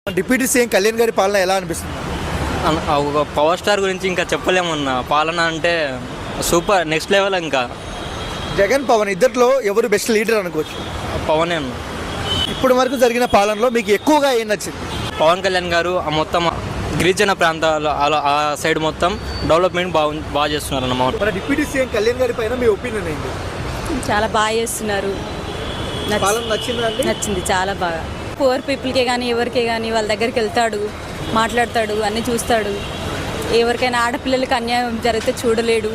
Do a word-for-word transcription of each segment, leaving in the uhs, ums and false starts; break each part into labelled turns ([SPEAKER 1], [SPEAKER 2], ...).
[SPEAKER 1] Deputy CM Kalyan గారి పాలన ఎలా అనిపిస్తుంది?
[SPEAKER 2] అన్- ఒక పవర్ స్టార్ గురించి ఇంకా చెప్పలేమన్నా. పాలన అంటే సూపర్ నెక్స్ట్ లెవెల్. ఇంకా
[SPEAKER 1] జగన్ పవన్ ఇద్దరిలో ఎవరు బెస్ట్ లీడర్ అనుకోవచ్చు?
[SPEAKER 2] పవనే అన్న.
[SPEAKER 1] ఇప్పటి వరకు జరిగిన పాలనలో మీకు ఎక్కువగా ఏం నచ్చింది?
[SPEAKER 2] పవన్ కళ్యాణ్ గారు ఆ మొత్తం గిరిజన ప్రాంతాలు అలా ఆ సైడ్ మొత్తం డెవలప్మెంట్ బాగు బాగా చేస్తున్నారు అన్నమాట.
[SPEAKER 1] మన డిప్యూటీ సీఎం కళ్యాణ్ గారి పైన మీ ఒపీనియన్ ఏంటి?
[SPEAKER 3] చాలా బాగా చేస్తున్నారు. నచ్చ-
[SPEAKER 1] పాలన నచ్చిందా అండి?
[SPEAKER 3] నచ్చింది చాలా బాగా. పువర్ పీపుల్కే కానీ ఎవరికే కానీ వాళ్ళ దగ్గరికి వెళ్తాడు, మాట్లాడతాడు, అన్నీ చూస్తాడు. ఎవరికైనా ఆడపిల్లలకి అన్యాయం జరిగితే చూడలేడు.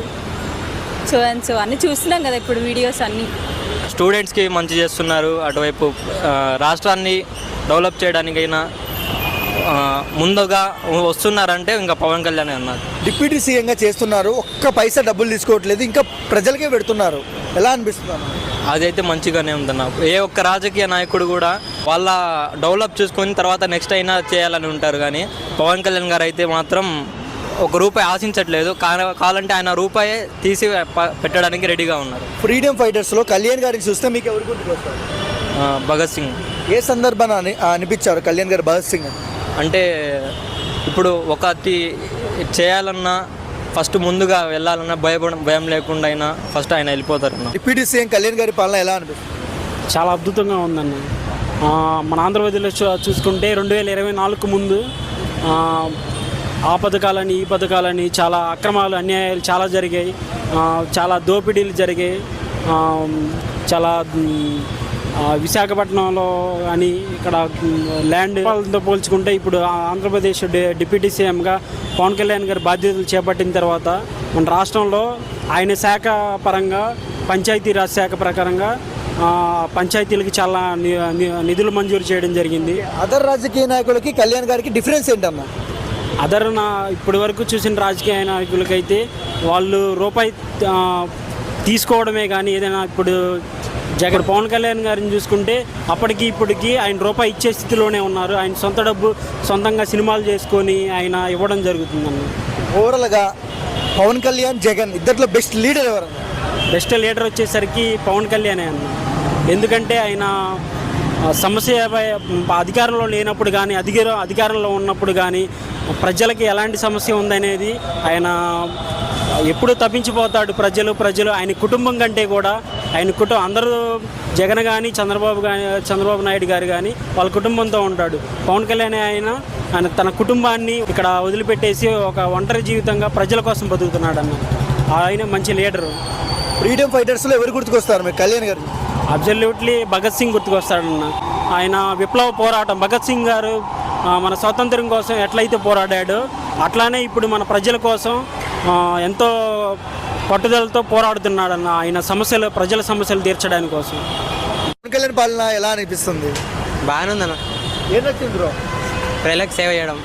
[SPEAKER 3] సో అండ్ సో అన్నీ చూస్తున్నాం కదా ఇప్పుడు వీడియోస్ అన్నీ.
[SPEAKER 2] స్టూడెంట్స్కి మంచి చేస్తున్నారు. అటువైపు ఆ, రాష్ట్రాన్ని డెవలప్ చేయడానికైనా ఆ, ముందుగా వస్తున్నారంటే ఇంకా పవన్ కళ్యాణ్ అన్నారు.
[SPEAKER 1] డిప్యూటీ సీఎంగా చేస్తున్నారు, ఒక్క పైసా డబ్బులు తీసుకోవట్లేదు, ఇంకా ప్రజలకే పెడుతున్నారు. ఎలా అనిపిస్తున్నారు?
[SPEAKER 2] అదైతే మంచిగానే ఉందన్న. ఏ ఒక్క రాజకీయ నాయకుడు కూడా వాళ్ళ డెవలప్ చూసుకొని తర్వాత నెక్స్ట్ అయినా చేయాలని ఉంటారు. కానీ పవన్ కళ్యాణ్ గారు అయితే మాత్రం ఒక రూపాయి ఆశించట్లేదు. కా- కావాలంటే ఆయన రూపాయి తీసి ప- పెట్టడానికి రెడీగా ఉన్నారు.
[SPEAKER 1] ఫ్రీడమ్ ఫైటర్స్లో కళ్యాణ్ గారిని చూస్తే మీకు ఎవరు గుర్తుకొస్తారు?
[SPEAKER 2] ఆ, భగత్ సింగ్
[SPEAKER 1] ఏ సందర్భాన్ని అని అనిపించారు కళ్యాణ్ గారు భగత్ సింగ్ అని?
[SPEAKER 2] అంటే ఇప్పుడు ఒకటి చేయాలన్నా ఫస్ట్ ముందుగా వెళ్ళాలన్నా భయపడ భయం లేకుండా అయినా ఫస్ట్ ఆయన వెళ్ళిపోతారన్న.
[SPEAKER 1] డిప్యూటీ సీఎం కళ్యాణ్ గారి పాలన ఎలా అనిపిస్తుంది?
[SPEAKER 4] చాలా అద్భుతంగా ఉందన్న. ఆ, మన ఆంధ్రప్రదేశ్లో చూ- చూసుకుంటే రెండు వేల ఇరవై నాలుగుకు ముందు ఆ, ఆ పథకాలని ఈ పథకాలని చాలా అక్రమాలు అన్యాయాలు చాలా జరిగాయి. ఆ, చాలా దోపిడీలు జరిగాయి. ఆ, చాలా మ్, ఆ, విశాఖపట్నంలో కానీ ఇక్కడ మ్, ల్యాండ్ వాళ్ళతో పోల్చుకుంటే ఇప్పుడు ఆ ఆంధ్రప్రదేశ్ డి- డిప్యూటీ సీఎంగా పవన్ కళ్యాణ్ గారి బాధ్యతలు చేపట్టిన తర్వాత మన రాష్ట్రంలో ఆయన శాఖ పరంగా పంచాయతీరాజ్ శాఖ ప్రకారంగా ఆ, పంచాయతీలకి చాలా ని- ని- నిధులు మంజూరు చేయడం జరిగింది.
[SPEAKER 1] అదర్ రాజకీయ నాయకులకి కళ్యాణ్ గారికి డిఫరెన్స్ ఏంటన్నా?
[SPEAKER 4] అదర్ నా ఇప్పటి వరకు చూసిన రాజకీయ నాయకులకైతే వాళ్ళు రూపాయి ఆ, తీసుకోవడమే కానీ ఏదైనా ఇప్పుడు జగన్ పవన్ కళ్యాణ్ గారిని చూసుకుంటే అప్పటికి ఇప్పటికి ఆయన రూపాయి ఇచ్చే స్థితిలోనే ఉన్నారు. ఆయన సొంత డబ్బు సొంతంగా సినిమాలు చేసుకొని ఆయన ఇవ్వడం జరుగుతుందన్న.
[SPEAKER 1] ఓవరాల్గా పవన్ కళ్యాణ్ జగన్ ఇద్దరిలో బెస్ట్ లీడర్ ఎవరు?
[SPEAKER 4] బెస్ట్ లీడర్ వచ్చేసరికి పవన్ కళ్యాణే అన్న. ఎందుకంటే ఆయన ఆ, సమస్యపై అధికారంలో లేనప్పుడు కానీ అధికార అధికారంలో ఉన్నప్పుడు కానీ ప్రజలకి ఎలాంటి సమస్య ఉందనేది ఆయన ఎప్పుడు తప్పించిపోతాడు. ప్రజలు ప్రజలు ఆయన కుటుంబం కంటే కూడా ఆయన కుటుంబం అందరూ జగన్ కానీ చంద్రబాబు కానీ చంద్రబాబు నాయుడు గారు కానీ వాళ్ళ కుటుంబంతో ఉంటాడు. పవన్ కళ్యాణ్ ఆయన ఆయన తన కుటుంబాన్ని ఇక్కడ వదిలిపెట్టేసి ఒక ఒంటరి జీవితంగా ప్రజల కోసం బతుకుతున్నాడు అన్న. ఆయన మంచి లీడరు.
[SPEAKER 1] ఫ్రీడమ్ ఫైటర్స్లో ఎవరు గుర్తుకొస్తారు మీకు కళ్యాణ్ గారు?
[SPEAKER 4] అబ్జల్యూట్లీ భగత్ సింగ్ గుర్తుకొస్తాడన్న. ఆయన విప్లవ పోరాటం భగత్ సింగ్ గారు ఆ, మన స్వాతంత్ర్యం కోసం ఎట్లయితే పోరాడాడో అట్లానే ఇప్పుడు మన ప్రజల కోసం ఆ, ఎంతో పట్టుదలతో పోరాడుతున్నాడన్న. ఆయన సమస్యలు ప్రజల సమస్యలు తీర్చడానికి కోసం.
[SPEAKER 1] పవన్ కళ్యాణ్ పాలన ఎలా అనిపిస్తుంది?
[SPEAKER 2] బాగానే ఉందన్న.
[SPEAKER 1] ఏం నచ్చింది బ్రో?
[SPEAKER 2] ప్రజలకు సేవ చేయడం,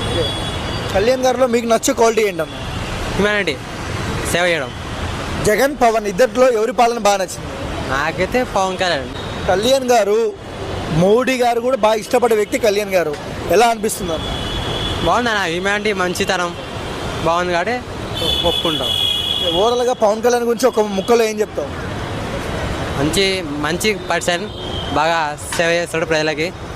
[SPEAKER 1] కళ్యాణ్ గారిలో మీకు నచ్చే క్వాలిటీ ఏంటన్నా?
[SPEAKER 2] హ్యుమానిటీ, సేవ చేయడం.
[SPEAKER 1] జగన్ పవన్ ఇద్దరిలో ఎవరి పాలన బాగా నచ్చింది?
[SPEAKER 2] నాకైతే పవన్ కళ్యాణ్.
[SPEAKER 1] కళ్యాణ్ గారు మోడీ గారు కూడా బాగా ఇష్టపడే వ్యక్తి కళ్యాణ్ గారు. ఎలా అనిపిస్తుంది అన్న?
[SPEAKER 2] బాగుందన్న. హ్యుమానిటీ, మంచితనం బాగుంది కాబట్టి ఒప్పుకుంటాం.
[SPEAKER 1] ఓవరాల్గా పవన్ కళ్యాణ్ గురించి ఒక ముక్కలో ఏం చెప్తావు?
[SPEAKER 2] మంచి మంచి పర్సన్, బాగా సేవ చేస్తాడు ప్రజలకి.